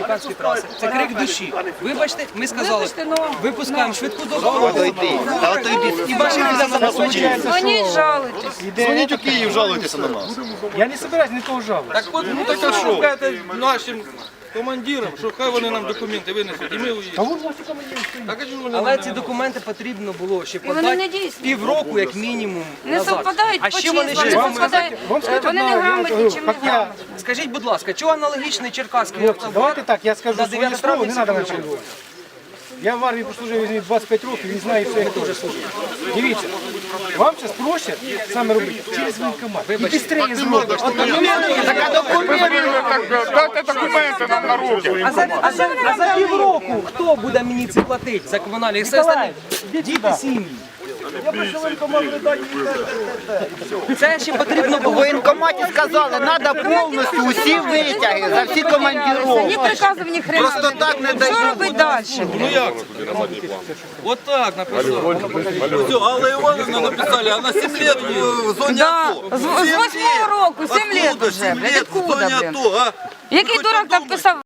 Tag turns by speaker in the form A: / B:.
A: республіканської траси. Це крик душі. Вибачте, ми сказали, випускаємо швидку допомогу. І ваші люди забезпечують.
B: Дзвоніть, жалуйтесь.
C: Дзвоніть у Київ, жалуйтеся на нас.
D: Я не собираюсь никого жаловать.
E: Так от, ну так що кажете нашим командирам, що хай вони нам документи винесуть, і ми уїдемо. Так, а чому вони
A: Але
E: нам
A: ці
E: не
A: документи потрібно було ще
B: вони не
A: подати
B: дійсні.
A: півроку, як мінімум,
B: Не
A: назад.
B: совпадають
A: А
B: по
A: ще вони
B: числам, не
A: ще
B: совпадають.
D: Вам сказать
B: Вони
D: одно,
B: не
D: я
B: грамотні
D: говорю,
B: чи не
D: как я...
B: грамотні.
A: Скажіть, будь ласка, чого аналогічний черкаський
D: Вот, давайте
A: автобус
D: так, я скажу
A: на
D: своє
A: 9
D: слово,
A: травня
D: не треба
A: всі
D: начальник. Я в армії прослужив візьміть 25 років, він знає все, як теж служить. Дивіться, вам зараз проще саме робити через воєнкомат. І швидше зробити.
F: Дайте документи нам на руки.
A: А за півроку хто буде мені це платити за комунальні? Все остальне діти, сім'ї. Це ще потрібно
G: В
A: було.
G: воєнкоматі сказали, треба повністю усі витяги за всі
B: Ні
G: командировки.
B: приказів, ні хрена.
G: Просто так не
B: Що
G: дають.
B: робити далі?
E: Ну як це? От так написали. Все, Алла Івановна написали, а на 7 років в зоні
B: Да,
E: АТО.
B: з 8-го року, 7 років вже, блядь,
E: в зоні
B: откуда, блін?
E: АТО, а?
B: Який дурак так писав?